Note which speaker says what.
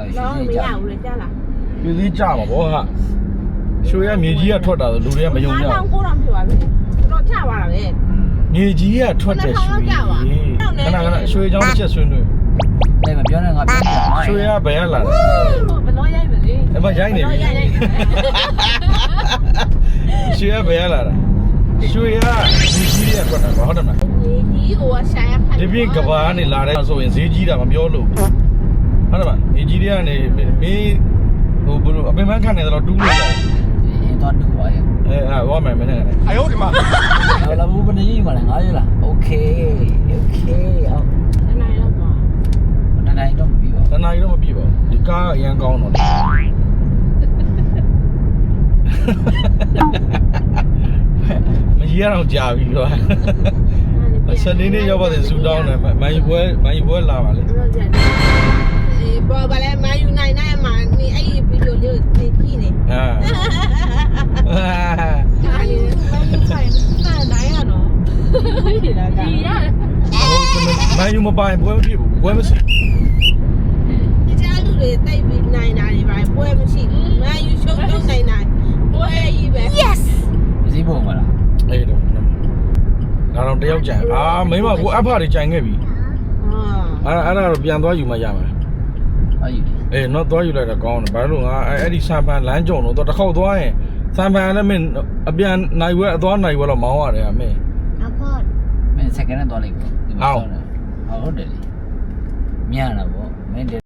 Speaker 1: လောမရဘူးလေကြားလား
Speaker 2: ပြည်သေးကြမှာဗောဟာရွှေရမြေကြီးကထွက်တာဆိုလူတွေကမယုံကြဘူး
Speaker 1: 9,900ဖြစ်ပါပြီတော့ချပါတာပဲ
Speaker 2: မြေကြီးကထွက်တဲ့ရွှေခဏရွှေချောင်းတစ်ချက်ဆွေးနွေး
Speaker 3: အဲ့မပြောနဲ့ငါပြော
Speaker 2: ရွှေရဘယ်ကလာလဲ
Speaker 1: ဘယ်တော့ရိုက်မလဲ
Speaker 2: အမရိုက်နေပြီရွှေရဘယ်ကလာတာရွှေရမြေကြီးတွေကထွက်တာဗောဟုတ်တယ်မလား
Speaker 1: ဒီဟိုရှာရဖတ်
Speaker 2: ဒီပြင်ကဘာကနေလာတဲ့ဆိုရင်ဈေးကြီးတာမပြောလို့ဟုတ်တယ်မမြေကြီးတွေကနေမင်းဟိုဘလို့အပင်ပန်းခံနေတော့တူးလို့ရတယ်
Speaker 3: တော့တူပါရဲ့
Speaker 2: ဝါမယ်မင်းနဲ့哎呦我的妈
Speaker 3: အဲ့လာဘူးဘယ်နေကြီးမလဲငါရလားโอเคအောင်
Speaker 1: နိုင်တော့ပါ
Speaker 3: တနိုင်တော့မပြီးပါ
Speaker 2: တနားကြီးတော့မပြည့်ပါဘူးဒီကားအရန်ကောင်းတော့မကြီးရအောင်ကြာပြီကွာစနေနေ့ရောက်ပါတယ်ဇူတောင်းတယ်မိုင်းပွဲလာပါလေ
Speaker 1: ပေါ်ပါလဲမယူနိုင်နိုင်မှာနေအဲ့ဒီဗီဒီယိုလေးကိုကြည့်နေ
Speaker 2: ဟာ
Speaker 1: အားလေးမယူဆိုင်နိုင်ရတော့ဒီရ
Speaker 2: မိုင်းယူမပိုင်ပွဲမဖြစ်ဘူးပွဲမရှိ
Speaker 1: ဒီကြားလူတွေတိတ်ပြီးနိုင်တာတွေပါပွဲမရှိဘူးမယူရှုံးနိုင်နိုင်ပွဲကြီးပဲ yes
Speaker 3: စည်းပုံမလား
Speaker 2: အေးတော့ဒါတော့တယောက်ကြံမိမကိုအဖတွေကြံခဲ့ပြီအဲ့ဒါတော့ပြန်သွားယူမှရမှာ
Speaker 3: အဲ့ဒီ
Speaker 2: အေးတော့သွားယူလိုက်တော့ကောင်းတယ်ဘာလို့ငါအဲ့ဒီစံပန်လမ်းကြုံတော့တစ်ခေါက်သွားရင်စံပန်လည်းမင်းအပြန်နိုင်ဝဲအသွားနိုင်ဝဲတော့မောင်းရတယ်အမင်း
Speaker 1: အဖေါ်
Speaker 3: မင်းစက္ကန့်နဲ့သွားလိုက်ပေါ့ဟုတ်တယ်လေမြန်တာပေါ့မင်း